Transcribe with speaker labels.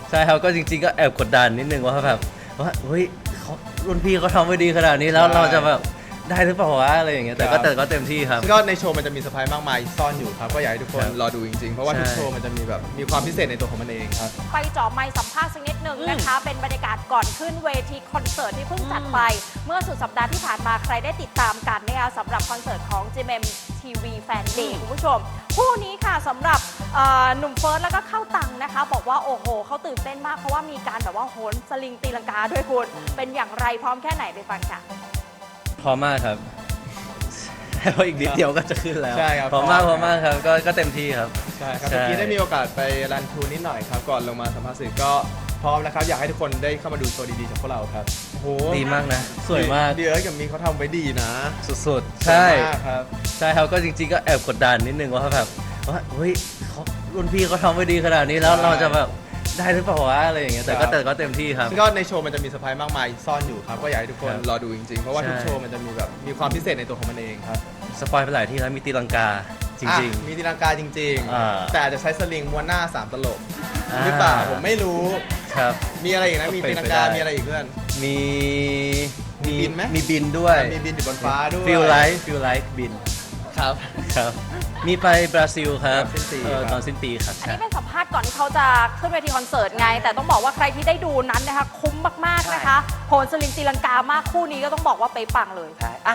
Speaker 1: ใช่ครับก็จริงๆก็แอบกดดันนิดนึงว่าแบบว่าเฮ้ยเขารุ่นพี่เขาทำไว้ดีขนาดนี้แล้วเราจะแบบได้หรือเปล่าวะอะไรอย่างเงี้ยแต่ก็เต็มที่ครับ
Speaker 2: ก็ในโชว์มันจะมีเซอร์ไพรส์มากมายซ่อนอยู่ครับก็อยากให้ทุกคนรอดูจริงๆเพราะว่าทุกโชว์มันจะมีความพิเศษในตัวของมันเองครับ
Speaker 3: ไปเจาะไมค์สัมภาษณ์สักนิดหนึ่งนะคะเป็นบรรยากาศก่อนขึ้นเวทีคอนเสิร์ตที่เพิ่งจัดไปเมื่อสุดสัปดาห์ที่ผ่านมาใครได้ติดตามกันนะคะสำหรับคอนเสิร์ตของ GMM TV Fan Day คุณผู้ชมคู่นี้ค่ะสำหรับหนุ่มเฟิร์สแล้วก็เข้าตังนะคะบอกว่าโอ้โหเขาตื่นเต้นมากเพราะว่ามีการแบบว่าโหนสลิงตีลังกาด้วยคุณเป็นอย่างไรพร้อมแค่ไหนไปฟังค่ะ
Speaker 1: พร้อมมากครับแล้วอีกนิดเดียวก็จะขึ้นแล้ว
Speaker 2: ใช่ครับ
Speaker 1: พร้อมมากครับก็เต็มที่ครับ
Speaker 2: ใช่ครับเมื่อกี้ได้มีโอกาสไปรันทรูนิดหน่อยครับก่อนลงมาสัมภาษณ์สื่อก็พร้อมนะครับอยากให้ทุกคนได้เข้ามาดูโชว์ดีๆจากพวกเราครับโอ้โห
Speaker 1: ดีมากนะสวยมาก
Speaker 2: เดี๋ยวกับมีเขาทำไว้ดีนะ
Speaker 1: สุดๆใช่
Speaker 2: ครับ
Speaker 1: ใช่ครับก็จริงๆก็แอบกดดันนิดนึงว่าแบบว่าเฮ้ยเขารุ่นพี่เขาทำไว้ดีขนาดนี้แล้วเราจะแบบได้หรือเปล่าวะอะไรอย่างเงี้ยแต่ก็เต็มที่ครับ
Speaker 2: ก็ในโชว์มันจะมีเซอร์ไพรส์มากมายซ่อนอยู่ครับก็อยากให้ทุกคนรอดูจริงๆเพราะว่าทุกโชว์มันจะมีความพิเศษในตัวของมันเองครับ
Speaker 1: สปอยไปหลายที่แล้วมีตีลังกาจริง
Speaker 2: มีตีลังกาจริงๆแต่อาจจะใช้สลิงม้วนหน้า3ตลบหรือเปล่าผมไม่รู้
Speaker 1: ครับ
Speaker 2: มีอะไรอีกนะมีตีลังกามีอะไรอีกเพื่อน
Speaker 1: มี
Speaker 2: บินไหม
Speaker 1: มีบินด้วย
Speaker 2: มีบินอยู่บนฟ้าด้วย
Speaker 1: ฟิลไลท์บิน
Speaker 2: ครับ
Speaker 1: มีไปบราซิลครับตอนสิ้นปีครับ
Speaker 3: อันนี้เป็นสัมภาษณ์ก่อนที่เขาจะขึ้นเวทีคอนเสิร์ตไงแต่ต้องบอกว่าใครที่ได้ดูนั้นนะคะคุ้มมากๆนะคะโหนสลิงตีลังกามากคู่นี้ก็ต้องบอกว่าไปปังเลย
Speaker 2: ใช่อ่ะ